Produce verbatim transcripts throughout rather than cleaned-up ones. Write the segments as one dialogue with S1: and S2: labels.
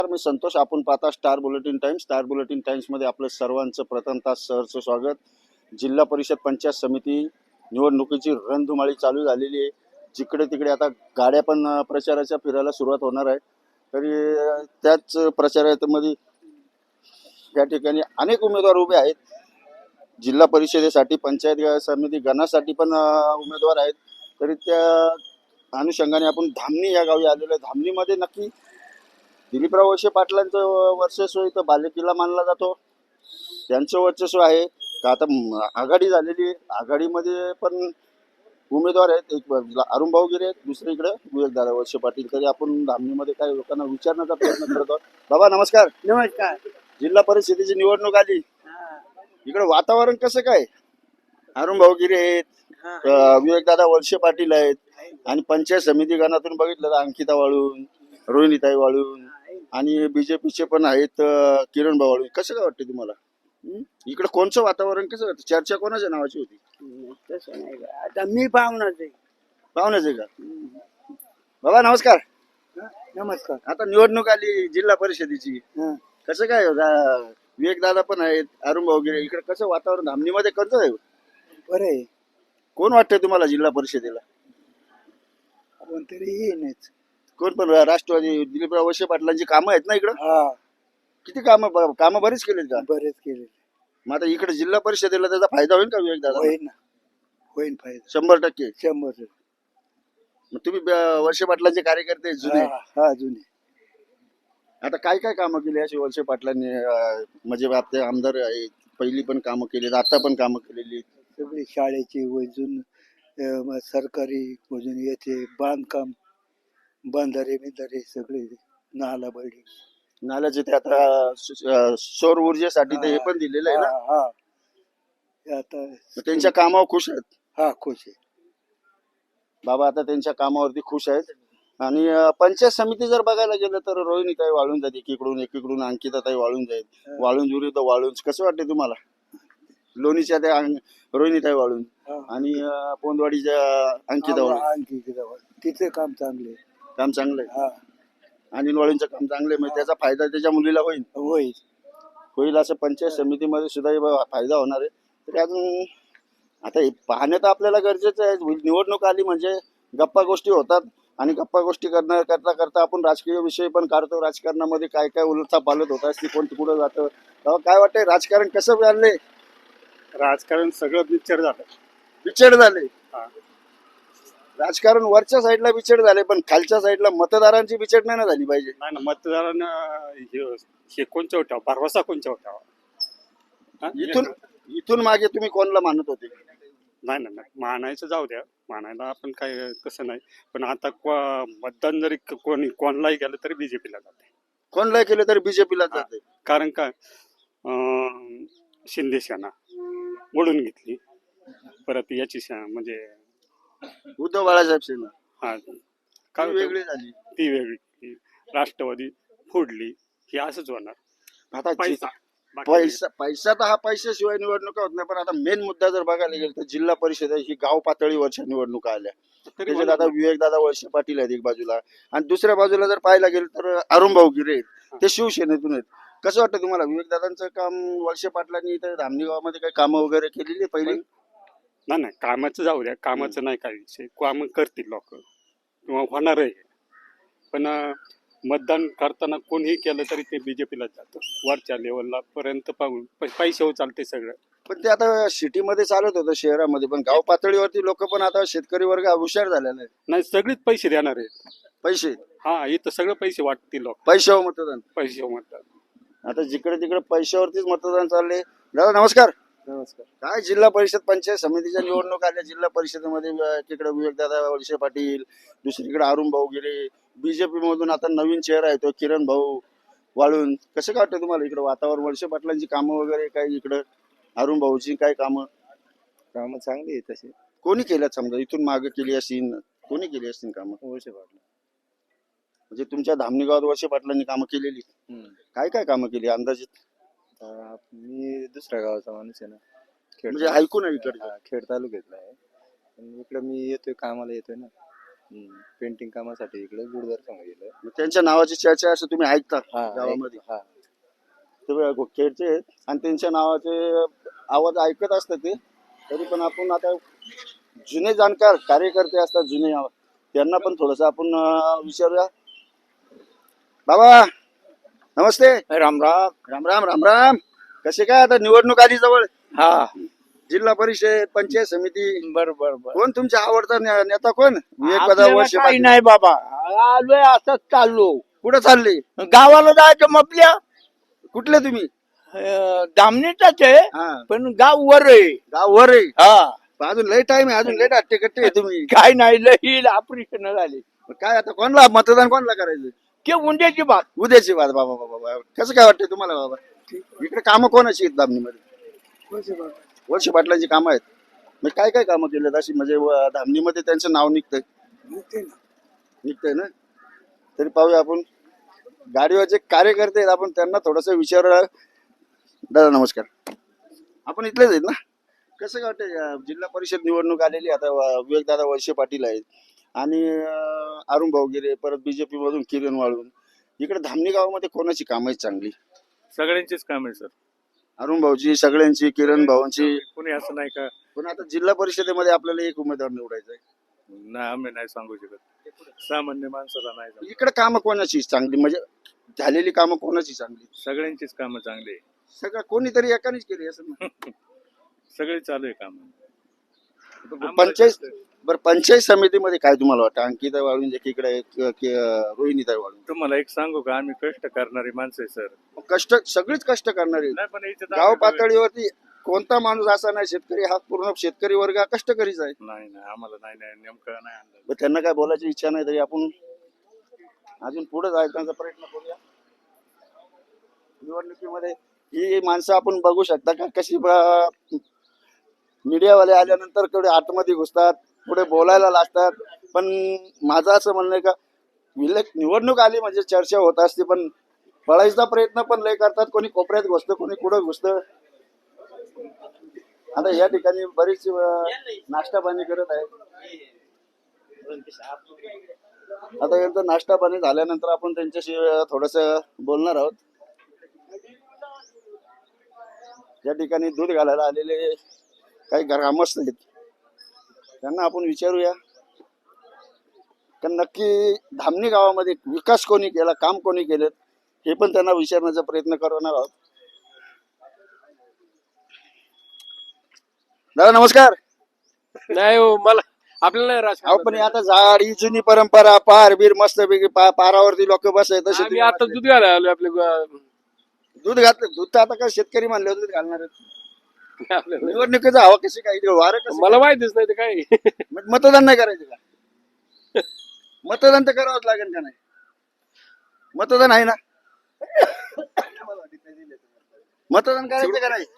S1: मी संतोष. आपण पाहता Star Bulletin Times. Star Bulletin Times मध्ये आपलं सर्वांचं प्रथमतः सहर्ष स्वागत. जिल्हा परिषद पंचायत समिती निवडणुकीची रणधुमाळी चालू झालेली आहे. जिकडे तिकडे आता गाड्या पण प्रचाराच्या फिरायला सुरुवात होणार आहे. तरी त्याच प्रचारामध्ये या ठिकाणी अनेक उमेदवार उभे आहेत. जिल्हा परिषदेसाठी, पंचायत समिती गणासाठी पण उमेदवार आहेत. तरी त्या अनुषंगाने आपण धामणी या गावी आलेलो आहे. धामणीमध्ये नक्की दिलीपराव वळसे पाटलांचं वर्चस्व इथं बालेकिल्ला मानला जातो. त्यांचं वर्चस्व आहे का आता आघाडी झालेली आहे. आघाडीमध्ये पण उमेदवार आहेत. एक बाजूला अरुणभाऊ गिरे आहेत, दुसरीकडे विवेकदादा वळसे पाटील. तरी आपण धामणीमध्ये काही लोकांना विचारण्याचा प्रयत्न करतो. बाबा नमस्कार.
S2: नमस्कार.
S1: जिल्हा परिषदेची निवडणूक आली, इकडे वातावरण कसं काय? अरुणभाऊ गिरे आहेत, विवेकदादा वळसे पाटील आहेत, आणि पंचायत समिती गणातून बघितलं तर अंकिता वाळून, रोहिणीताई वाळून, आणि बीजेपीचे पण आहेत किरण भाऊ वाळून. कसं काय वाटतं तुम्हाला? इकडे कोणचं वातावरण कसं वाटतं? चर्चा कोणाच्या नावाची होती?
S2: तसं नाही का, आता मी पाहुणाच आहे.
S1: पाहुण्याच आहे का? बाबा नमस्कार.
S2: नमस्कार.
S1: आता निवडणूक आली जिल्हा परिषदेची, कसं काय? विवेकदादा पण आहेत, अरुणभाऊ गिरे. इकडे कसं वातावरण धामणीमध्ये कसं आहे?
S2: बरं आहे.
S1: कोण वाटतंय तुम्हाला जिल्हा परिषदेला?
S2: कोणतरी येईनच.
S1: कोण पण? राष्ट्रवादी दिलीपराव वळसे पाटलांची कामं आहेत ना इकडं?
S2: हा,
S1: किती कामं कामं बरीच केलीत का?
S2: बरेच केले.
S1: मग आता इकडे जिल्हा परिषदेला त्याचा फायदा होईल का विवेकदादा?
S2: होईल ना, होईल फायदा
S1: शंभर टक्के.
S2: शंभर.
S1: मग तुम्ही वळसे पाटलांचे कार्यकर्ते जुने.
S2: हा हा, जुने.
S1: आता काय काय कामं केली अशी वळसे पाटलांनी? अं, म्हणजे आपले आमदार आहेत, पहिली पण कामं केली, आता पण कामं केलेली.
S2: सगळी शाळेची वजून, अं, सरकारी वजून, याचे बांधकाम, बंधारे बिंधारे सगळे, नाला बळी,
S1: नाल्याचे ते आता अं, सौर ऊर्जेसाठी ते हे पण दिलेलं आहे ना.
S2: हा हा. ते आता
S1: मग त्यांच्या कामावर खुश आहेत
S2: हा, खुश आहे
S1: बाबा. आता त्यांच्या कामावरती खुश आहेत. आणि अं, पंचायत समिती जर बघायला गेलं तर रोहिणीताई वाळून जाते एकीकडून, एकीकडून अंकिताताई वाळून जाईल. वाळूंज विरुद्ध वाळूंज. कसं वाटते तुम्हाला? लोणीच्या त्या रोहिणीताई वाळून आणि अं, पोंदवाडीच्या अंकिता वाळून.
S2: आणखी तिथे काम चांगले,
S1: काम चांगलं आहे.
S2: हा
S1: आणि वाळूंचं काम चांगलं आहे. मग त्याचा फायदा त्याच्या मुलीला होईल
S2: होईल
S1: होईल असं पंचायत समितीमध्ये सुद्धा हे बघा फायदा होणार आहे. तरी अजून आता हे पाहणं तर आपल्याला गरजेचं आहे. निवडणूक आली म्हणजे गप्पा गोष्टी होतात, आणि गप्पा गोष्टी करणार करता करता आपण राजकीय विषय पण काढतो. राजकारणामध्ये काय काय उलथा पालत होत असते, कोण कुठं जातं. तेव्हा काय वाटतंय राजकारण कसं चाललंय?
S3: राजकारण सगळं बिच्चड झालं.
S1: बिछेड झाले
S3: हा.
S1: राजकारण वरच्या साईडला बिछेड झाले, पण खालच्या साईडला मतदारांची बिछेड नाही ना झाली पाहिजे.
S3: नाही ना, मतदारांना हे- हे कोणच्या ठेवा, भरवसा कोणच्या ठेवा. हा?
S1: इथून इथून मागे तुम्ही कोणाला मानत होते?
S3: नाही ना, नाही मानायचं जाऊ द्या, मानायला आपण काय तसं नाही. पण आता को- मतदान जरी क- कोणी कोणालाही गेलं तरी बीजेपीला जाते.
S1: कोणाला केलं तरी बीजेपीला जाते.
S3: कारण काय, अं, शिंदे सेना ओढून घेतली, परत याची सेना म्हणजे
S1: उद्धव बाळासाहेब सेना
S3: हा
S1: ती
S3: काय होतं?
S1: वेगळी झाली.
S3: ती वेगळी, राष्ट्रवादी फोडली. हे असंच होणार.
S1: आता
S3: पैसा बाकी नाही.
S1: पैसा पैसा तर हा पैशाशिवाय निवडणुका होत नाही. पण आता मेन मुद्दा जर बघायला गेलं तर जिल्हा परिषद ही गाव पातळीवरच्या निवडणुका आल्या.
S3: तरी
S1: त्याच्यात
S3: मला-
S1: आता विवेकदादा वळसे पाटील आहेत एक बाजूला, आणि दुसऱ्या बाजूला जर पाहायला गेलं तर अरुणभाऊ गिरे आहेत, ते शिवसेनेतून आहेत. कसं वाटतं तुम्हाला? विवेकदादांचं काम वळसे पाटलांनी इथं धामणी गावामध्ये काही कामं वगैरे केलेली आहे पहिली?
S3: नाही नाही, कामाचं जाऊ द्या, कामाचं नाही काय विषय. काम करतील लोक किंवा होणार आहे. पण अं, मतदान करताना कोणीही केलं तरी ते बीजेपीलाच जातं. वरच्या लेवलला पर्यंत पाहून पैशावर चालते सगळं.
S1: पण ते आता सिटीमध्ये चालत होतं, शहरामध्ये. पण गाव पातळीवरती लोक पण आता शेतकरी वर्ग हुशार झालेला आहे.
S3: नाही, सगळीच पैसे देणार आहेत.
S1: पैसे
S3: हा, इथं सगळं पैसे वाटतील लोक,
S1: पैशावर मतदान.
S3: पैसे मतदान.
S1: आता जिकडे तिकडे पैशावरतीच मतदान चालले. दादा नमस्कार.
S2: नमस्कार.
S1: काय जिल्हा परिषद पंचायत समितीच्या निवडणूक आल्या. जिल्हा परिषदेमध्ये तिकडे विवेकदादा वळसे पाटील, दुसरीकडे अरुणभाऊ गिरे, बीजेपी मधून आता नवीन चेहरा आहे तो किरण भाऊ वाळून. कसं काय वाटतं तुम्हाला इकडे वातावरण? वळसे पाटलांची कामं वगैरे काय इकडं, अरुण भाऊची काय कामं?
S2: काम चांगली आहे तसे.
S1: कोणी केल्यात? समजा इथून मागे केली असतील, कोणी केली असतील कामं?
S2: वळसे पाटील.
S1: म्हणजे तुमच्या धामणी गावात वळसे पाटलांनी कामं केलेली? काय काय कामं केली अंदाजित?
S2: मी दुसऱ्या गावाचा माणूस आहे ना, खेड
S1: म्हणजे ऐकून आहे इकडे.
S2: खेड तालुक्यातला आहे. पण इकडे मी येतोय, कामाला येतोय ना.
S4: पेंटिंग कामासाठी इकडे गुरुद्वार सांगा गेलं.
S1: मग त्यांच्या नावाची चर्चा असं तुम्ही ऐकता
S4: हा
S1: गावामध्ये?
S4: हा
S1: ते खेळचे आहेत आणि त्यांच्या नावाचे आवाज ऐकत असतात ते. तरी पण आपण आता जुने जाणकार कार्यकर्ते असतात जुने, त्यांना पण थोडस आपण अं, विचारूया. बाबा नमस्ते.
S2: राम राम.
S1: राम राम राम राम. कसे काय आता निवडणूक आली जवळ,
S2: हा
S1: जिल्हा परिषद पंचायत समिती,
S2: बर बर बर.
S1: कोण तुमचा आवडता ने- नेता कोण? विवेक पदा
S2: आपल्याला
S1: वर्षे
S2: काही
S1: पाटील.
S2: नाही बाबा, आलोय असंच चाललो.
S1: कुठं चालले?
S2: गावाला जायचं मपल्या
S1: कुठले तुम्ही?
S2: दामणीचाच आहे,
S1: हा
S2: पण गाव वर आहे.
S1: गाव वर आहे.
S2: हा
S1: अजून लय टाइम आहे, अजून लय अट्टे कट्टे आहे तुम्ही.
S2: काय नाही, लई ऑपरेशन झाले.
S1: मग काय आता कोणला मतदान कोणला करायचं?
S2: ते उंड्याची बात.
S1: उद्याची बात. बाबा बाबा बाबा कसं काय वाटतंय तुम्हाला बाबा? इकडे कामं कोणाची आहेत धामणीमध्ये? वर्षे पाटलांची कामं आहेत. मग काय काय कामं केलेत अशी, म्हणजे व- धामणीमध्ये त्यांचं नाव निघतंय निघतंय ना? तरी पाहूया आपण. गाडीवर जे कार्यकर्ते आहेत आपण त्यांना थोडस विचार. दादा नमस्कार. आपण इथलेच आहेत ना? कसं काय वाटतंय अं, जिल्हा परिषद निवडणूक आलेली आता, विवेक दादा वळसे पाटील आहेत आणि अं, अरुण भाऊगिरे, परत बीजेपी मधून किरण वाळून. इकडे धामणी गावामध्ये कोणाची कामं आहेत चांगली?
S5: सगळ्यांचीच काम आहे सर.
S1: अरुण भाऊची, सगळ्यांची, किरण भाऊंची.
S5: कोणी असं नाही का?
S1: पण आता जिल्हा परिषदेमध्ये आपल्याला एक उमेदवार निवडायचा आहे.
S5: नाही, आम्ही नाही सांगू शकत. सामान्य माणसाला नाही सांगू.
S1: इकडे कामं कोणाची चांगली, म्हणजे झालेली कामं कोणाची चांगली?
S5: सगळ्यांचीच कामं चांगली आहे.
S1: सगळं कोणीतरी एकानेच केली असं ना.
S5: सगळी चालू आहे काम.
S1: पंचायत बरं, पंचायत समितीमध्ये काय तुम्हाला वाटतं? अंकिता वाळून एकीकडे आहे, कि- कि- रोहिणीताई वाळून.
S5: तुम्हाला एक सांगू का, आम्ही कष्ट करणारी माणसं आहे सर.
S1: कष्ट सगळीच कष्ट करणारे.
S5: नाही पण इथे
S1: गाव पातळीवरती कोणता माणूस असा नाही, शेतकरी हा पूर्ण शेतकरी वर्ग हा कष्टकरीच आहे.
S5: नाही नाही आम्हाला नाही नाही नेमकं नाही आणलं.
S1: पण त्यांना काय बोलायची इच्छा नाही, तरी आपण अजून पुढे जायचा प्रयत्न करूया. निवडणुकीमध्ये ही माणसं आपण बघू शकता का कशी ब- मीडियावाले आल्यानंतर थोडे आतमध्ये घुसतात, पुढे बोलायला लागतात. पण माझं असं म्हणणं आहे का, विले- निवडणूक आली म्हणजे चर्चा होत असते, पण पळायचा प्रयत्न पण लय करतात. कोणी कोपऱ्यात घुसतं, कोणी कुठं घुसतं. आता या ठिकाणी बरीच अं, नाश्ता पाणी करत आहे. आता यांचं नाश्ता पाणी झाल्यानंतर आपण त्यांच्याशी थोडस बोलणार आहोत. या ठिकाणी दूध घालायला आलेले काही ग्रामस्थ आहेत, त्यांना आपण विचारूया का नक्की धामणी गावामध्ये विकास कोणी केला, काम कोणी केलं, हे पण त्यांना विचारण्याचा प्रयत्न करणार आहोत. दादा नमस्कार.
S6: नाही हो, मला आपल्याला नाही
S1: अहो
S6: राजकारण.
S1: पण आता झाड ही जुनी परंपरा, पार बीर मस्त पैकी पारावरती लोक बसाय तसे
S6: आम्ही आता दूध घालायला आलो आपल्या ग-
S1: दूध घातलं. दूध तर आता काय शेतकरी म्हणले होते दूध घालणार आहेत.
S6: आपल्याला.
S1: निवडणुकीचं हवा कशी काय, वारं कसं
S6: मला माहितीच नाही ते काय.
S1: मग मतदान नाही करायचं का? मतदान तर करावंच लागेल का नाही? मतदान आहे ना? मतदान करायचं का नाही?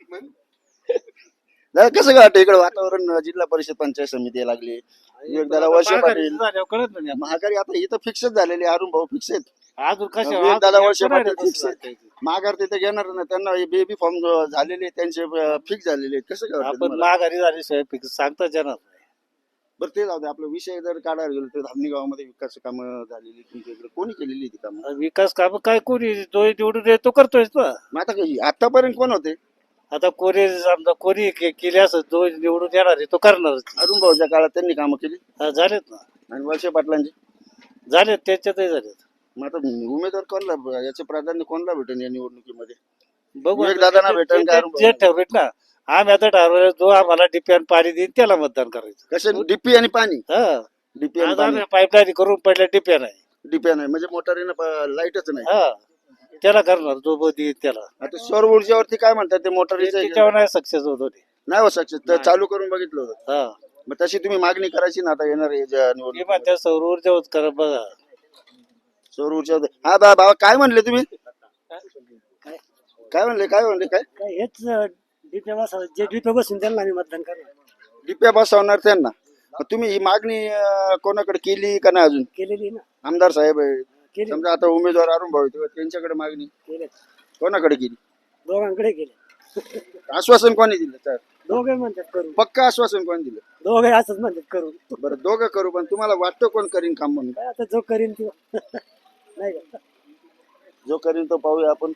S1: दादा कसं काय वाटतं इकडे वातावरण? जिल्हा परिषद पंचायत समिती लागली, विवेकदादा वळसे पाटील, महागारी आता इथं फिक्सच झालेली. अरुण भाऊ फिक्स आहेत,
S2: अजून
S1: विवेकदादा वळसे पाटील फिक्स आहेत. माघार तिथे घेणार ना, त्यांना बेबी फॉर्म झालेले त्यांचे फिक्स झालेले आहेत. कसं काय वाटतं
S2: आपण
S1: तुम्हाला?
S2: माघारी झाली साहेब, सांगता येणार.
S1: बरं ते जाऊ दे. आपला विषय जर काढायला गेलो तर धामणी गावामध्ये विकास कामं झालेली तुमच्या इकडे कोणी केलेली ती कामं?
S2: विकास काम काय कोणी जो निवडून येतो करतोय ना.
S1: मग आता काही आतापर्यंत कोण होते?
S2: आता कोणी समजा कोणी के- केली असं जो निवडून येणार आहे तो करणारच.
S1: अरुण भाऊच्या काळात त्यांनी कामं केली
S2: हा, झालेत ना,
S1: आणि वळसे पाटलांची.
S2: झालेत त्याच्यातही झालेत.
S1: मग आता उमेदवार कोणला, याचे प्राधान्य कोणला भेटेल या निवडणुकीमध्ये?
S2: बघू
S1: विवेक
S2: आता
S1: दादांना
S2: जे-
S1: भेटेल
S2: जे-
S1: का अरुण
S2: जे
S1: भाऊंना?
S2: ठरवेत ना, आम्ही आता ठरवलं जो आम्हाला डिप्यान पाणी देईल त्याला मतदान करायचं.
S1: कसे डीपी आणि पाणी?
S2: हा,
S1: डीपी आणि
S2: आज
S1: पाणी.
S2: आम्ही पाईपलाईन करून पहिल्या डिप्यान आहे.
S1: डीपी नाही म्हणजे मोटारीनं लाईटच नाही.
S2: हा, त्याला करणार जो ब- देईल त्याला.
S1: आता सौर ऊर्जेवरती काय म्हणतात ते मोटारीचं
S2: त्याच्यावर नाही सक्सेस होतो ते.
S1: नाही हो सक्सेस, तर चालू करून बघितलं होतं.
S2: हा,
S1: मग तशी तुम्ही मागणी करायची ना आता येणार आहे ज्या
S2: मी
S1: निवडणूक.
S2: म्हणते सौर ऊर्जेवर करा बघा.
S1: सौर ऊर्जा. हा बा बाबा काय म्हणले तुम्ही? काय म्हणले काय म्हणले काय?
S7: काय हेच डिपे बसा जे डिपे बसून त्यांना आम्ही मतदान करणार
S1: डिप्या बसवणार त्यांना. मग तुम्ही ही मागणी अं, कोणाकडे केली का नाही अजून?
S7: केलेली ना
S1: आमदार साहेब आहे
S7: केली
S1: समजा, आता उमेदवार अरुण भाऊ आहेत, त्यांच्याकडे मागणी
S7: केले
S1: कोणाकडे केली?
S7: दोघांकडे केले
S1: आश्वासन कोणी दिलं? तर
S7: दोघे म्हणतात करू
S1: पक्का आश्वासन कोण दिलं?
S7: दोघे असंच म्हणतात करू
S1: बरं दोघं करू, पण तुम्हाला वाटतं कोण करीन काम म्हणून?
S7: काय आता जो करीन तो नाही का
S1: जो करीन तो पाहूया आपण.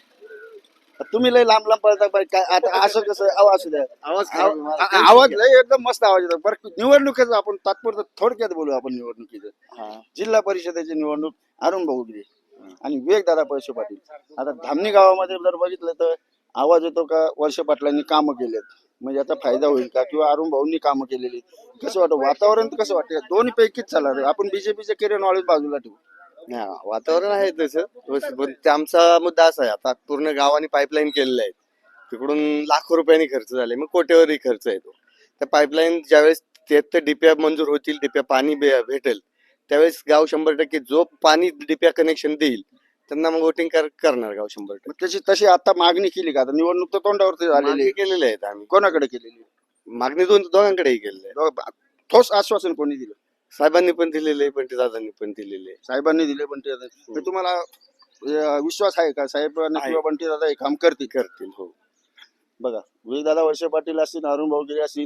S1: तुम्ही लय लांब लांब पळता बाई, काय आता असं कसं आवाज असू द्या.
S4: आवाज
S1: आव- आ- आवाज लय एकदम मस्त आवाज येतो. बरं निवडणुकीचं आपण तात्पुरतं थोडक्यात बोलू. आपण निवडणुकीचं जिल्हा परिषदेची निवडणूक अरुण भाऊ गिरे आणि विवेक दादा पैसे पाटील. आता धामणी गावामध्ये जर बघितलं तर आवाज येतो का वर्ष पाटलांनी कामं केलेत, म्हणजे याचा फायदा होईल का, किंवा अरुण भाऊंनी कामं केलेली, कसं वाटतं वातावरण? कसं वाटतं दोन्ही पैकीच चालणार आहे? आपण बीजेपीचे किरण वाळून बाजूला ठेवू.
S4: हा, वातावरण आहे तसं, पण ते आमचा मुद्दा असा आहे, आता पूर्ण गावाने पाईपलाईन केलेलं आहे, तिकडून लाखो रुपयांनी खर्च झाले, मग कोट्यावरही खर्च येतो. त्या पाईपलाईन ज्यावेळेस ते डिप्या मंजूर होतील, डिप्या पाणी भे- भेटेल त्यावेळेस गाव शंभर टक्के जो पाणी डिप्या कनेक्शन देईल त्यांना मग वोटिंग करणार गाव शंभर टक्के.
S1: मग त्याची तशी आता मागणी केली का? आता निवडणूक तर तोंडावरती झालेली
S4: मागणी
S1: आहे.
S4: केलेले आहेत आम्ही,
S1: कोणाकडे केलेली?
S4: मागणी दोन दोघांकडेही केलेली आहे.
S1: दोघं- ठोस आश्वासन कोणी दिलं?
S4: साहेबांनी पण दिलेले आहे, बंटी दादांनी पण दिलेले आहे.
S1: साहेबांनी दिले, पण ते ते तुम्हाला अं, विश्वास आहे का साहेबांनी
S4: आहे.
S1: किंवा बंटी दादा हे काम करतील?
S4: करतील हो.
S1: बघा विवेक दादा वर्षे पाटील असतील, अरुण भाऊ गिरे असतील,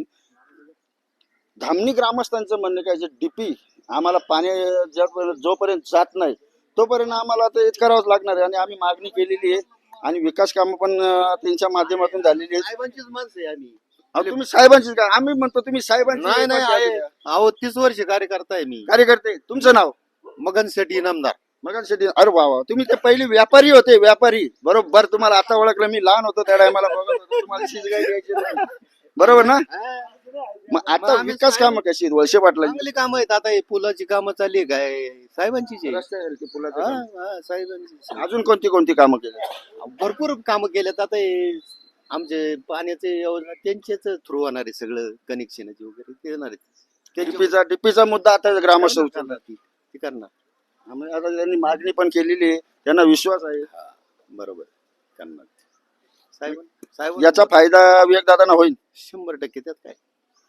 S1: धामणी ग्रामस्थांचं म्हणणं काय, जे डीपी आम्हाला पाणी ज्यापर्यंत जोपर्यंत जात नाही तोपर्यंत आम्हाला ते हेच करावंच लागणार आहे, आणि आम्ही मागणी केलेली आहे आणि विकास कामं पण अं, त्यांच्या माध्यमातून झालेली आहेत.
S4: साहेबांचीच माणसं आहे आम्ही.
S1: अहो, तुम्ही साहेबांची का? आम्ही म्हणतो तुम्ही साहेबांची
S4: नाही नाही
S1: पार्टी
S4: आहे.
S1: आहे.
S4: अहो तीस वर्ष कार्यकर्ता आहे मी.
S1: कार्यकर्ते तुमचं नाव?
S4: मगन शेट्टी इनामदार.
S1: मग शेट्टी. अरे वा वा, तुम्ही ते पहिली व्यापारी होते, व्यापारी. बरोबर, तुम्हाला आता ओळखलं. मी लहान होतो त्या टायमाला बघत होतो, तुम्हाला शिजगाई द्यायची नाही. बरोबर ना? मग आता
S4: आम्ही
S1: विकास कामं कशी आहेत वर्षे पाटलांची?
S4: चांगली कामं आहेत. आता हे पुलाची कामं चालली आहे काय साहेबांचीच आहे.
S1: रस्त्यावरती पुलाचं
S4: हा,
S1: काम.
S4: हा, साहेबांचीच आहे.
S1: अजून कोणती कोणती कामं केली?
S4: भरपूर कामं केलेत. आता हे आमचे पाण्याचे योजना त्यांच्याच थ्रू होणार आहे, सगळं कनेक्शनचे वगैरे ते येणार आहे.
S1: डीपीचा डीपीचा मुद्दा आता ग्रामस्थ उचलला.
S4: ती ती करणार.
S1: आम्ही आता त्यांनी मागणी पण केलेली आहे, त्यांना विश्वास आहे.
S4: बरोबर करणार साहेब. साहेब
S1: याचा फायदा विवेक दादांना होईल.
S4: शंभर टक्के. त्यात काय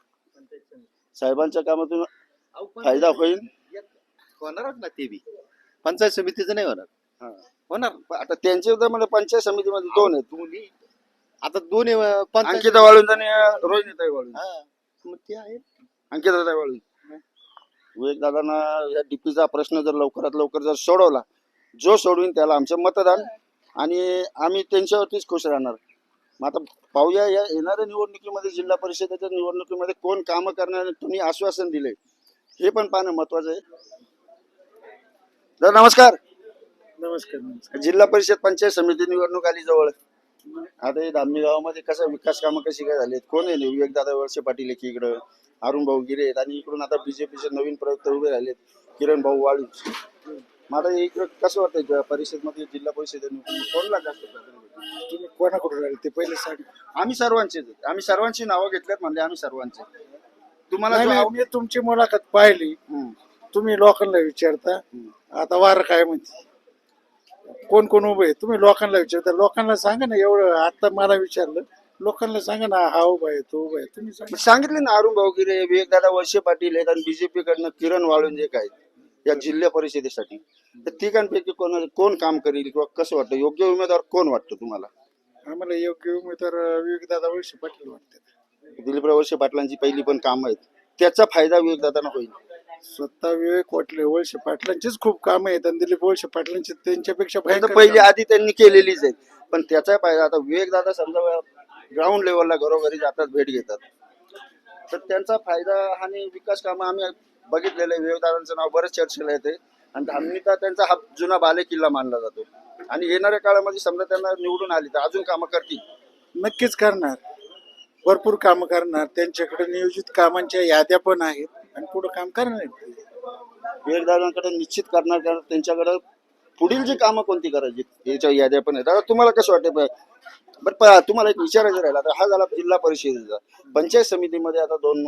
S1: साहेबांच्या कामातून फायदा होईल.
S4: होणारच ना ते बी. पंचायत समितीचं नाही होणार.
S1: हा.
S4: होणार
S1: पण आता त्यांचे तर म्हणजे पंचायत समितीमध्ये दोन आहेत,
S4: दोन्ही. आता दोन्ही अं, पंचायत
S1: अंकिता वाळून आणि रोहिणीताई वाळून.
S4: हा, मग ते आहे.
S1: अंकिताताई वाळून. विवेक दादांना या डीपीचा प्रश्न जर लवकरात लवकर जर सोडवला, जो सोडवीन त्याला आमचं मतदान, आणि आम्ही त्यांच्यावरतीच खुश राहणार. मग आता पाहूया या येणाऱ्या निवडणुकीमध्ये, जिल्हा परिषदेच्या निवडणुकीमध्ये कोण कामं करणार, तुम्ही आश्वासन दिले हे पण पाहणं महत्वाचं आहे. तर नमस्कार.
S2: नमस्कार नमस्कार.
S1: जिल्हा परिषद पंचायत समिती निवडणूक आली जवळ. आता हे धामणी गावामध्ये कसं विकास कामं कशी काय झालीत? कोण आहे? विवेक दादा वर्षे पाटील एक इकडं, अरुण भाऊ गिरे आहेत, आणि इकडून आता बीजेपीचे नवीन प्रवक्ते उभे राहिलेत, किरण भाऊ वाळू. मग आता इकडं कसं वाटतं परिषदमध्ये, जिल्हा परिषद कोणला जास्त प्राधान्य देतो?
S2: तुम्ही कोणाकडून राहिले ते पहिले सांग.
S1: आम्ही सर्वांचे आम्ही सर्वांची नावं घेतल्यात म्हणले, आम्ही सर्वांचे. तुम्हाला
S2: नाही
S1: जो
S2: नाही,
S1: आव-
S2: मी तुमची मुलाखत पाहिली.
S1: हम्म.
S2: तुम्ही लोकांना विचारता आता वार काय म्हणते, कोण कोण उभे आहे, तुम्ही लोकांना विचारता. लोकांना सांगा ना, एवढं आता मला विचारलं, लोकांना सांगा ना, हा उभा आहे तो उभा आहे, तुम्ही सांगा.
S1: मग सांगितले ना, अरुण भाऊ गिरे, विवेक दादा वर्षे पाटील आहेत, आणि बीजेपी कडनं किरण वाळूंजे काय या जिल्हा परिषदेसाठी. तर तिघांपैकी कोण कोण काम करेल, किंवा कसं वाटतं योग्य उमेदवार कोण वाटतं तुम्हाला?
S2: आम्हाला योग्य उमेदवार विवेक दादा वळसे पाटील वाटतात.
S1: दिलीपराव वर्षे पाटलांची पहिली पण काम आहेत, त्याचा फायदा विवेक दादांना होईल.
S2: स्वतः विवेक वाटले वळसे पाटलांचीच खूप काम आहेत, आणि दिलीप वळसे पाटलांची त्यांच्यापेक्षा
S1: नाही तर
S2: भयंकर
S1: पहिली
S2: कामं.
S1: आधी त्यांनी केलेलीच आहेत, पण त्याचा फायदा आता विवेक दादा समजा ग्राउंड लेवलला घरोघरी जातात, भेट घेतात, तर त्यांचा फायदा आणि विकास कामं आम्ही बघितलेलं आहे. विवेक दादांचं नाव बरंच चर्चेला येते, आणि धामणीचा त्यांचा हा जुना बाले किल्ला मानला जातो, आणि येणाऱ्या काळामध्ये समजा त्यांना निवडून आली तर अजून कामं करतील.
S2: नक्कीच करणार, भरपूर कामं करणार. त्यांच्याकडे नियोजित कामांच्या याद्या पण आहेत, आणि पुढे काम करणार आहेत.
S1: विवेक दादांकडे निश्चित करणार, कारण त्यांच्याकडे पुढील जी कामं कोणती करायची याच्या याद्या पण आहेत. आता तुम्हाला कसं वाटतं? बरं, प- तुम्हाला एक विचारायचं राहिला, आता हा झाला जिल्हा परिषदेचा. पंचायत समितीमध्ये आता दोन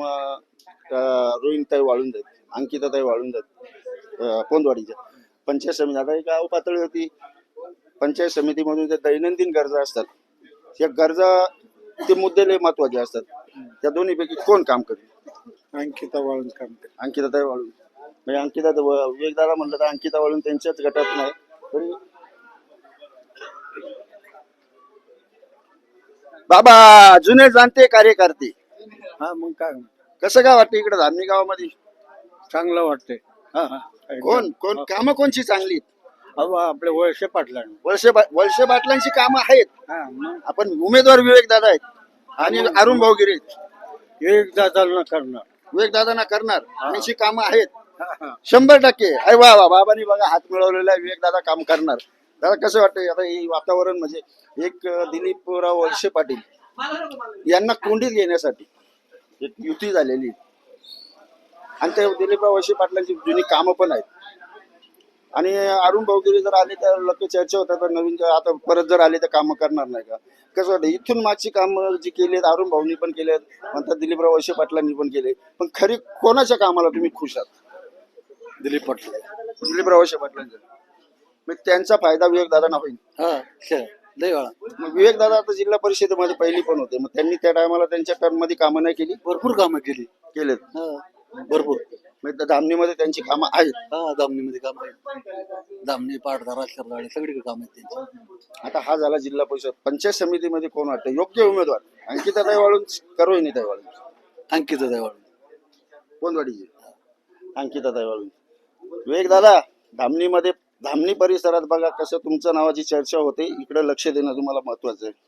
S1: अं, रोहिणीताई वाळून जात, अंकिताताई वाळून जात, अं, पोंदवाडीच्या पंचायत समिती. आता एक गाव पातळी होती, पंचायत समितीमधून ज्या दैनंदिन गरजा असतात, या गरजा ते मुद्दे लय महत्वाचे असतात. त्या दोन्हीपैकी कोण काम करेल?
S2: अंकिता वाळून काम करते.
S1: अंकिताताई वाळून. म्हणजे अंकिता विवेक दादा म्हणलं तर अंकिता वाळून त्यांच्याच गटात नाही, तरी बाबा जुने जाणते कार्यकर्ते
S2: हा मग काय
S1: कसं काय वाटतं इकडे धामणी गावामध्ये
S2: चांगलं वाटतंय हा हा
S1: कोण कोण कामं कोणची चांगली
S2: अहो आपले वळसे पाटला
S1: वळसे बा- वळसे पाटलांची कामं आहेत
S2: हा मग
S1: आपण उमेदवार विवेक दादा आहेत आणि अरुण भाऊगिरे
S2: एक दादाला करणार
S1: विवेक दादांना करणार त्यांची कामं आहेत शंभर टक्के अरे वा वा बाबांनी बघा हात मिळवलेला आहे, विवेक दादा काम करणार. दादा कसं वाटतंय आता हे वातावरण म्हणजे एक अं, दिलीपराव वळसे पाटील यांना कोंडीत घेण्यासाठी एक युती झालेली आहे. आणि त्या दिलीपराव वळसे पाटलांची जुनी कामं पण आहेत. आणि अरुण भाऊगिरी जर आले तर लोक चर्चा होतात तर नवीन जर आता परत जर आले तर कामं करणार नाही का कसं वाटतं इथून मागची कामं जी केली आहेत अरुण भाऊनी पण केले म्हणतात दिलीपराव वळसे पाटलांनी पण केले पण खरी कोणाच्या कामाला तुम्ही खुश आहात?
S2: दिलीप पाटील
S1: दिलीपराव वळसे पाटलांच्या मग त्यांचा फायदा विवेक दादांना होईल.
S2: हा लय वेळा
S1: मग विवेक दादा आता जिल्हा परिषदेमध्ये पहिली पण होते मग त्यांनी त्या टायमाला त्यांच्या टर्म मध्ये कामं नाही केली
S2: भरपूर कामं केली
S1: केलेत
S2: भरपूर
S1: मग त्या धामणीमध्ये त्यांची कामं आहेत.
S2: हा दामणीमध्ये काम आहे दामणी पाटधारा शरदाळे सगळीकडे काम आहेत त्यांची.
S1: आता हा झाला जिल्हा परिषद पंचायत समितीमध्ये कोण वाटतं योग्य उमेदवार अंकिताताई वाळून का रोहिणीताई वाळून
S2: अंकित देवाळ
S1: कोणवाडीची अंकिताताई वाळून विवेक दादा धामणीमध्ये धामणी परिसरात बघा कसं तुमच्या नावाची चर्चा होते इकडे लक्ष देणं तुम्हाला महत्वाचं आहे.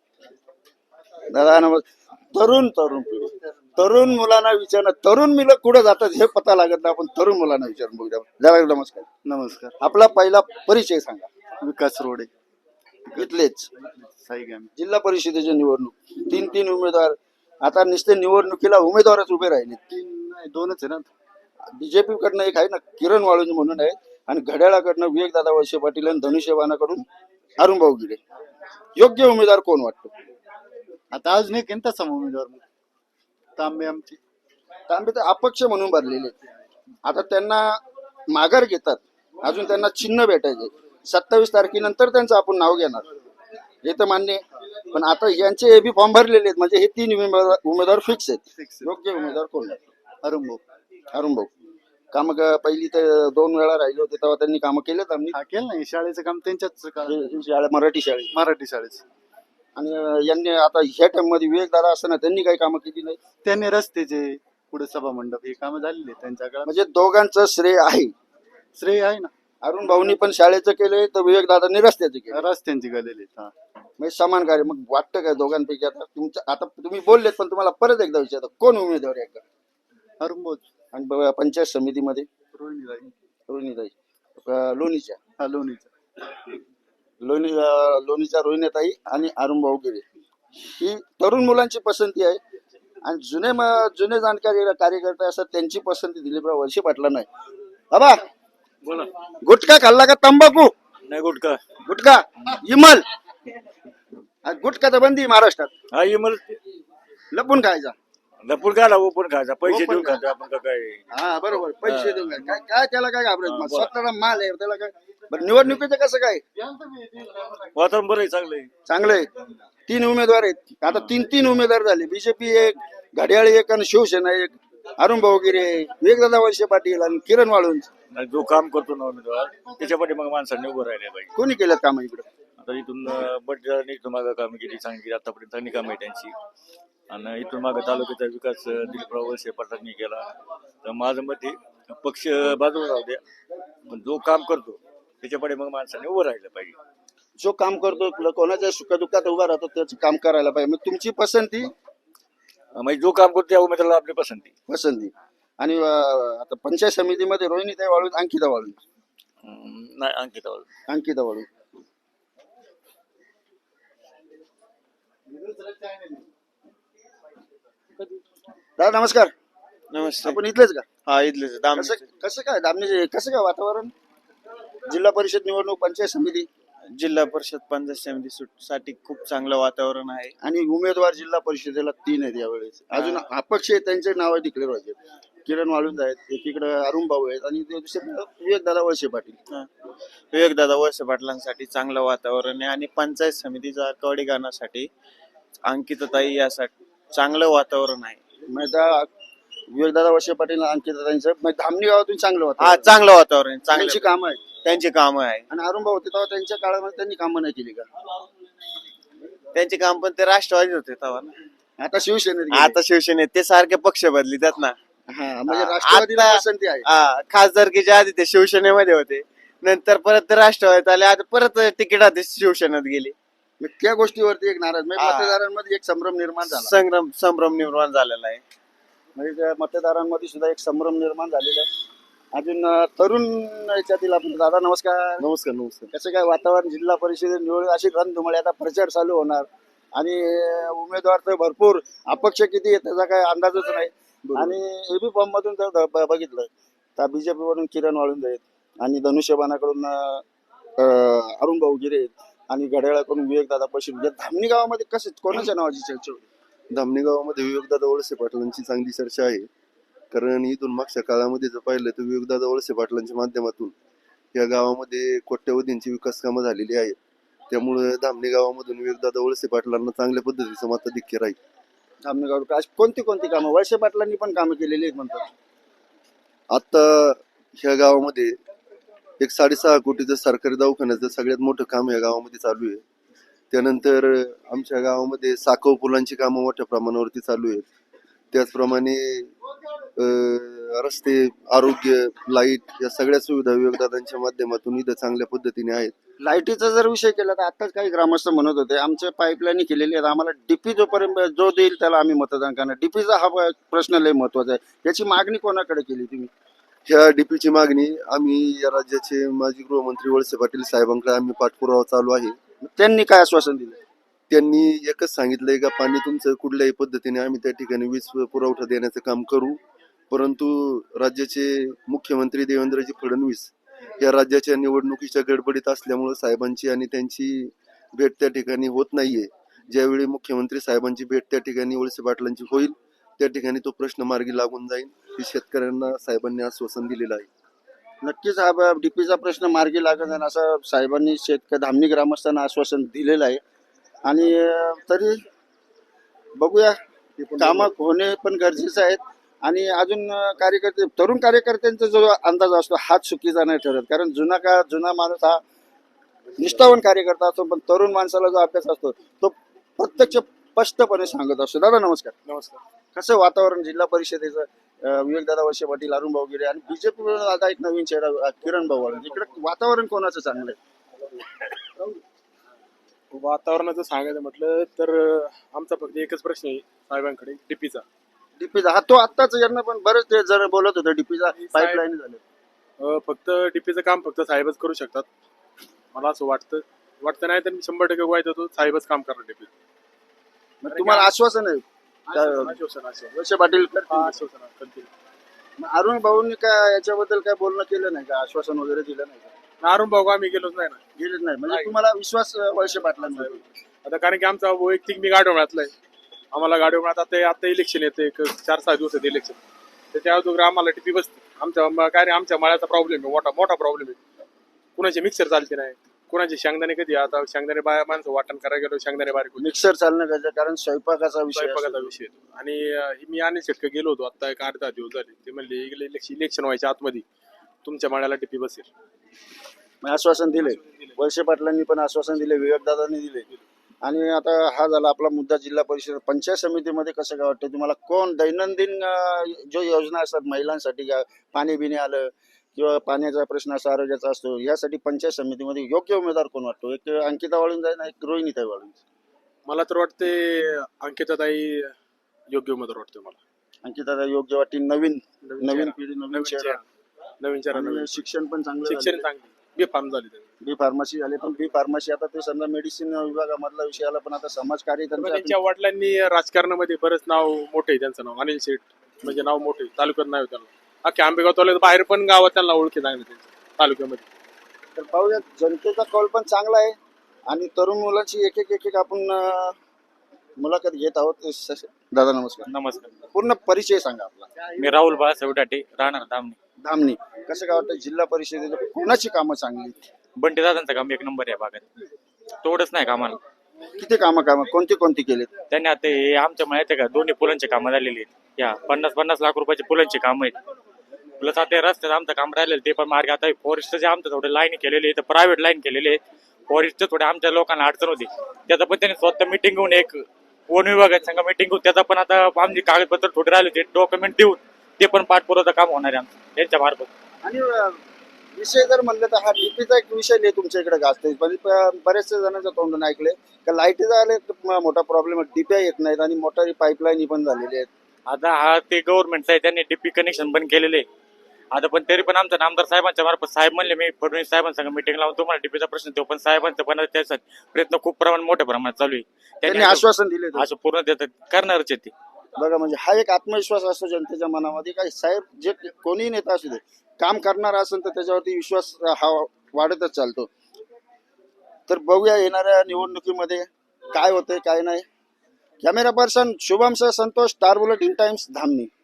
S1: दादा नमस्कार. तरुण तरुण पिढी तरुण मुलांना विचारणं तरुण मुलं कुठं जातात हे पता लागत नाही आपण तरुण मुलांना विचारून बघूया. दादा नमस्कार.
S2: नमस्कार
S1: आपला पहिला परिचय सांगा.
S2: विकास रोडे
S1: इथलेच
S2: साईगाम
S1: जिल्हा परिषदेची निवडणूक तीन तीन उमेदवार आता नुसते निवडणुकीला उमेदवारच उभे राहिले.
S2: नाही दोनच आहे ना
S1: बीजेपी कडनं एक आहे ना किरण वाळूंज म्हणून आहे आणि घड्याळाकडनं विवेक दादा वळसे पाटील आणि धनुष्यबाणाकडून अरुण भाऊ गिरे. योग्य उमेदवार कोण वाटतो?
S2: आता अजून एक आहे तसा उमेदवार तांबे आमची
S1: तांबे तर अपक्ष म्हणून भरलेले आहेत. आता त्यांना माघार घेतात अजून त्यांना चिन्ह भेटायचे सत्तावीस तारखेनंतर त्यांचं आपण नाव घेणार हे तर मान्य आहे. पण आता यांचे हे बी फॉर्म भरलेले आहेत म्हणजे हे तीन उमेदवार उमेदवार फिक्स आहेत. योग्य उमेदवार कोण वाटतो?
S2: अरुण भाऊ
S1: अरुण भाऊ काम पहिली तर दोन वेळा राहिले होते तेव्हा त्यांनी कामं केलेत आम्ही
S2: हा केलं नाही शाळेचं काम त्यांच्याच काळात.
S1: शाळा मराठी शाळेत
S2: मराठी शाळेचं
S1: आणि अं, यांनी आता ह्या टाइम मध्ये विवेक दादा असताना त्यांनी काही कामं केली नाही
S2: त्यांनी रस्त्याचे पुढे सभा मंडप हे काम झालेले त्यांच्या काळात
S1: म्हणजे दोघांचं श्रेय आहे.
S2: श्रेय आहे ना
S1: अरुण भाऊनी पण शाळेचं केलंय तर विवेक दादांनी रस्त्याचं केलं
S2: रस्त्यांची गेलेली हा
S1: म्हणजे समान कार्य. मग वाटतं काय दोघांपैकी आता तुमचं आता तुम्ही बोललेत पण तुम्हाला परत एकदा विचारतो कोण उमेदवार आहे का?
S2: अरुण भाऊ
S1: आणि ब- पंचायत समितीमध्ये
S2: रोहिणीताई
S1: रोहिणीताई अं, लोणीच्या
S2: हा लोणीचा
S1: लोणी अं, लोणीच्या रोहिणीताई आणि अरुण भाऊ गिरे ही तरुण मुलांची पसंती आहे. आणि जुने म- जुने जाणकार कार्यकर्ते असतात त्यांची पसंती दिलीपराव वळसे पाटलांना आहे. बाबा
S5: बोला
S1: गुटखा खाल्ला का तंबाखू?
S5: नाही गुटका
S1: गुटखा इमल आणि गुटखा तर बंदी आहे महाराष्ट्रात
S5: हा मला
S1: लपून खायचा.
S5: लपून काय लावू पण खायचा पैसे
S1: ओपन
S5: देऊन
S1: खा.
S5: खायचा आपण का काय
S1: हा बरोबर पैसे देऊन काय काय- काय त्याला काय घाबरायचं मग स्वतःला माल आहे त्याला काय. बरं निवडणुकीचं कसं काय
S5: वातावरण बरं आहे चांगलं आहे
S1: चांगलं आहे. तीन उमेदवार आहेत आता तीन तीन उमेदवार झाले बीजेपी एक घड्याळी एक आणि शिवसेना एक अरुण भाऊ गिरे विवेकदादा वळसे पाटील आणि किरण वाळूंज.
S5: आणि जो काम करतो ना उमेदवार त्याच्यासाठी मग माणसांनी उभं राहिले पाहिजे.
S1: कोणी केलं काम इकडे?
S5: आता इथून बट इथून मागं कामं केली चांगली केली आतापर्यंत चांगली कामं आहे त्यांची. आणि इथून मागं तालुक्याचा विकास अं, दिलीपराव वळसे पाटलांनी केला. तर माझं मत आहे पक्ष बाजूला राहू द्या पण जो काम करतो त्याच्याकडे मग माणसांनी उभं राहिलं पाहिजे.
S1: जो काम करतो कोणाच्या सुखदुःखात उभा राहतो त्याचं काम करायला पाहिजे. मग तुमची पसंती
S5: अं, म्हणजे जो काम करतो त्या उमेदवाराला आपली पसंती.
S1: पसंती आणि अं, आता पंचायत समितीमध्ये रोहिणीताई वाळूंज अंकिता वाळूंज
S5: अं, नाही अंकिता
S1: अंकिता वाळूंज दादा नमस्कार.
S4: नमस्ते.
S1: आपण इथलेच का?
S4: हा इथलेच
S1: कसं कसं काय दामणी कसं काय वातावरण? जिल्हा परिषद निवडणूक पंचायत समिती
S4: जिल्हा परिषद पंचायत समिती साठी खूप चांगलं वातावरण आहे.
S1: आणि उमेदवार जिल्हा परिषदेला तीन आहेत यावेळेस. अजून अपक्ष आहेत त्यांचे नाव डिक्लेअर व्हायचे. किरण वाळुंज आहेत एकीकडे अरुण भाऊ आहेत आणि दुसरे विवेक दादा वळसे पाटील.
S4: विवेकदादा वळसे पाटलांसाठी चांगलं वातावरण आहे आणि पंचायत समितीचा कवडी गाण्यासाठी अंकिताताई यासाठी चांगलं वातावरण आहे.
S1: मग आता विवेक दादा वळसे पाटील अंकिताताईंचं मग धामणी गावातून चांगलं
S4: हा
S1: होतं
S4: चांगलं वातावरण आहे,
S1: त्यांची
S4: चांगली
S1: कामं आहेत.
S4: त्यांची कामं आहे.
S1: आणि अरुण भाऊ होते तेव्हा त्यांच्या काळामध्ये त्यांनी कामं नाही केली का?
S4: त्यांचे काम पण ते राष्ट्रवादी होते तेव्हा ना.
S1: आता शिवसेनेत गेले.
S4: आता शिवसेनेत ते सारखे पक्ष बदलितात ना.
S1: हा, म्हणजे
S4: आ-
S1: राष्ट्रवादीला
S4: आता-
S1: पसंती आहे.
S4: हा, खासदारकीच्या आधी ते शिवसेनेमध्ये होते, नंतर परत ते राष्ट्रवादीत आले, आता परत तिकीट आधी शिवसेनेत गेले.
S1: मग त्या गोष्टीवरती एक नाराज म्हणजे
S4: हा.
S1: मतदारांमध्ये एक संभ्रम निर्माण झाला.
S4: संग्राम संभ्रम निर्माण झालेला आहे.
S1: म्हणजे त्या मतदारांमध्ये सुद्धा एक संभ्रम निर्माण झालेला आहे. अजून अं, तरुण याच्यातील आपण दादा नमस्कार.
S4: नमस्कार नमस्कार.
S1: कसं काय वातावरण जिल्हा परिषद निवड अशी रणधुमाळी आता प्रचार चालू होणार आणि अं, उमेदवार तर भरपूर अपक्ष किती आहे त्याचा काय अंदाजच नाही. आणि एबी फॉर्म मधून जर ब- ब- बघितलं तर बीजेपी मधून किरण वाळुंज आहेत आणि धनुष्यबाणाकडून अं, अं, अरुण भाऊ गिरे आहेत आणि घड्याळाकडून विवेक दादा पश्चिम या धामणी गावामध्ये कसं कोणाच्या नावाची चर्चा होती?
S8: धामणी गावामध्ये विवेकदादा वळसे पाटलांची चांगली चर्चा आहे. कारण इथून मागच्या काळामध्ये जर पाहिलं तर विवेकदादा वळसे पाटलांच्या माध्यमातून या गावामध्ये कोट्यवधींची विकास कामं झालेली आहेत. त्यामुळे धामणी गावामधून विवेकदादा वळसे पाटलांना चांगल्या पद्धतीचं मताधिक्य राहील.
S1: धामणी गाव अशी कोणती कोणती कामं वळसे पाटलांनी पण कामं केलेली आहेत म्हणतात.
S8: आता ह्या गावामध्ये एक साडेसहा कोटीचं सरकारी दवाखान्याचं सगळ्यात मोठं काम या गावामध्ये चालू आहे. त्यानंतर आमच्या गावामध्ये साखव पुलांची कामं मोठ्या प्रमाणावरती चालू आहेत. त्याचप्रमाणे अं, रस्ते, आरोग्य, लाईट या सगळ्या सुविधा विवेकदादांच्या माध्यमातून इथं चांगल्या पद्धतीने आहेत.
S1: लाईटीचा जर विषय केला तर आताच काही ग्रामस्थ म्हणत होते आमच्या पाईपलाईन केलेली आहेत आम्हाला डीपी जोपर्यंत जो देईल त्याला आम्ही मतदान करणार. डीपीचा हा प- प्रश्न लय महत्वाचा आहे. याची मागणी कोणाकडे केली तुम्ही?
S8: ह्या डीपीची मागणी आम्ही या राज्याचे माजी गृहमंत्री वळसे पाटील साहेबांकडे आम्ही पाठपुरावा चालू आहे.
S1: त्यांनी काय आश्वासन दिलं?
S8: त्यांनी एकच सांगितलंय का पाणी तुमचं कुठल्याही पद्धतीने आम्ही त्या ठिकाणी वीज पुरवठा देण्याचं काम करू, परंतु राज्याचे मुख्यमंत्री देवेंद्रजी फडणवीस या राज्याच्या निवडणुकीच्या गडबडीत असल्यामुळे साहेबांची आणि त्यांची भेट त्या ठिकाणी होत नाहीये. ज्यावेळी मुख्यमंत्री साहेबांची भेट त्या ठिकाणी वळसे पाटलांची होईल त्या ठिकाणी तो प्रश्न मार्गी लागून जाईल हे शेतकऱ्यांना साहेबांनी आश्वासन दिलेलं आहे.
S1: नक्कीच हा डीपीचा प्रश्न मार्गी लागत आहे असं साहेबांनी शेतकरी धामणी ग्रामस्थांना आश्वासन दिलेलं आहे. आणि अं, तरी बघूया कामं होणे पण गरजेचं आहे. आणि अजून अं, कार्यकर्ते तरुण कार्यकर्त्यांचा जो अंदाज असतो हाच चुकीचा नाही ठरत. कारण जुना का जुना माणूस हा निष्ठावान कार्यकर्ता असतो पण तरुण माणसाला जो अभ्यास असतो तो प्रत्यक्ष स्पष्टपणे सांगत असतो. दादा नमस्कार.
S6: नमस्कार.
S1: कसं वातावरण जिल्हा परिषदेचं अं, विवेकदादा वळसे पाटील, अरुण भाऊ गिरे आणि बीजेपी आता एक नवीन चेहरा अं, किरण भाऊ वाळुंज. इकडे वातावरण कोणाचं चांगलं आहे?
S6: वातावरणाचं सांगायचं म्हटलं तर अं, आमचा फक्त एकच प्रश्न आहे साहेबांकडे डीपीचा.
S1: डीपीचा हा तो आत्ताच यांना पण बरेच ते जण बोलत होते डीपीचा पाईपलाईन झाले.
S6: अं, फक्त डीपीचं काम फक्त साहेबच करू शकतात मला असं वाटतं. वाटतं नाही तर मी शंभर टक्के वाईट होतो साहेबच काम करणार डीपी.
S1: मग तुम्हाला आश्वासन आहे काय
S6: आश्वासन आश्वासन
S1: वळसे पाटील
S6: हा,
S1: करतील?
S6: आश्वासन करतील.
S1: मग अरुण भाऊंनी काय याच्याबद्दल काय बोलणं केलं नाही का? आश्वासन वगैरे दिलं नाही का?
S6: अरुण भाऊ आम्ही गेलोच नाही ना.
S1: गेलेच नाही म्हणजे
S6: नाही.
S1: तुम्हाला विश्वास अं, वळसे पाटलांवर आहे.
S6: आता कारण की आमचा वैयक्तिक मी गाडो मिळातलाय. आम्हाला गाडो मिळत आता आता इलेक्शन येते एक चार सहा दिवसात इलेक्शन. त्याच्या अगोदर आम्हाला टीपी बसते. आमच्या म- काय रे आमच्या मळ्याचा प्रॉब्लेम आहे मोठा मोठा प्रॉब्लेम आहे. कुणाचे मिक्सर चालते नाही, कुणाचे शेंगदाणे कधी आता शेंगदाणे बाया माणसं वाटण करायला गेलो शेंगदाणे बारीक होते.
S1: मिक्सर चालणं गरजेचं कारण स्वयंपाकाचा विषय
S6: स्वयंपाकाचा
S1: असतो.
S6: विषय येतो. आणि अं, मी आणि शेटक गेलो होतो आता एक अर्धा दिवस झाले. ते म्हणले इलेक्शन इलेक्शन व्हायच्या आतमध्ये तुमच्या मळ्याला टीपी बसेल.
S1: मग आश्वासन दिले वळसे पाटलांनी पण आश्वासन दिले, विवेकदादांनी दिले. आणि आता हा झाला आपला मुद्दा जिल्हा परिषद पंचायत समितीमध्ये कसं काय वाटतं तुम्हाला? कोण दैनंदिन अं, जो योजना असतात महिलांसाठी का पाणी बिणी आलं किंवा पाण्याचा प्रश्न असतो, आरोग्याचा असतो, यासाठी पंचायत समितीमध्ये योग्य उमेदवार कोण वाटतो? एक अंकिता वाळुंज आहे ना, एक रोहिणीताई वाळुंज.
S6: मला तर वाटते अंकिताताई योग्य उमेदवार वाटते मला.
S1: अंकिता योग्य वाटते. नवीन नवीन
S6: चेहरा.
S1: पिढी नवीन
S6: नवीन
S1: चेहरा.
S6: चेहरा. नवीन चेहरा
S1: आणि
S6: नवीन
S1: शिक्षण पण चांगलं
S6: शिक्षण
S1: झालेलं आहे.
S6: चांगली बी फार्म झाली त्यांनी.
S1: बी फार्मसी झाले पण बी फार्मसी आता ते समजा मेडिसिन विभागामधला विषय आला पण आता समाजकार्य
S6: पण
S1: त्यांचं
S6: त्यांच्या वडिलांनी राजकारणामध्ये बरंच नाव मोठे आहे त्यांचं नाव अनिल शेठ म्हणजे नाव मोठे तालुक्यात नाव आहे त्यांना. अख्ख्या आंबेगाव तालुक्यात बाहेर पण गावात त्यांना ओळखी चांगली त्यांच्या तालुक्यामध्ये.
S1: तर पाहूया जनतेचा कौल पण चांगला आहे आणि तरुण मुलांची एक एक एक एक आपण अं, मुलाखत घेत आहोत. स- दादा नमस्कार.
S9: नमस्कार.
S1: पूर्ण परिचय सांगा आपला.
S9: मी राहुल बाळासाहेब डाटे राहणार धामणी.
S1: धामणी कसं काय वाटतं जिल्हा परिषदेचं कोणाची कामं चांगली?
S9: बंटी दादांचं काम एक नंबर आहे भागात. थोडंच नाही कामाला.
S1: किती कामं कामं कोणती कोणती केलीत?
S9: त्यांनी आता हे आमच्या माहिती आहे का दोन्ही पुलांचे कामं झालेली आहेत. या पन्नास पन्नास लाख रुपयाचे पुलांचे काम आहेत. प्लस आता रस्त्यात आमचं काम राहिलेलं ते पण मार्ग आता फॉरेस्टचे आमचं थोडं लाईन केलेली आहे तर प्रायव्हेट लाईन केलेली आहे. फॉरेस्टच्या थोड्या आमच्या लोकांना अडचण होती, त्याचा पण त्यांनी स्वतः मिटिंग घेऊन एक वन विभागाच्या संघ मिटिंग घेऊन त्याचा पण आता आमची कागदपत्र थोडे राहिले होते डॉक्युमेंट देऊन ते पण पाठपुरावा काम होणार आहे आमचं त्यांच्या मार्फत.
S1: आणि अं, विषय जर म्हणलं तर हा डीपीचा एक विषय नाही तुमच्या इकडे गाजतोय. म्हणजे प- बरेचसे जणांच्या तोंडून ऐकले का लाईटीचा आले मोठा प्रॉब्लेम आहे, डीपी येत नाहीत आणि मोटारी पाईपलाईन पण झालेली आहेत.
S9: आता हा ते गव्हर्नमेंटचा आहे, त्यांनी डीपी कनेक्शन बंद केलेले. आता पण तरी पण आमच्या नामदार साहेबांच्या मार्फत साहेब म्हणले मी फडणवीस साहेबांसंग मिटिंग लावून तुम्हाला डीपीचा प्रश्न देऊ, पण साहेबांचा पण त्यासाठी प्रयत्न खूप प्रमाण मोठ्या प्रमाणात चालू आहे.
S1: त्यांनी आश्वासन दिले होते.
S9: असं पूर्ण देतात करणारच आहे ते.
S1: बघा म्हणजे हा एक आत्मविश्वास असतो जनतेच्या मनामध्ये काय साहेब जे कोणीही नेता असू दे काम करणार असेल तर त्याच्यावरती विश्वास हा वाढतच चालतो. तर बघूया येणाऱ्या निवडणुकीमध्ये काय होतंय काय नाही. कॅमेरा पर्सन शुभम सह Santosh, Star Bulletin Times, Dhamani.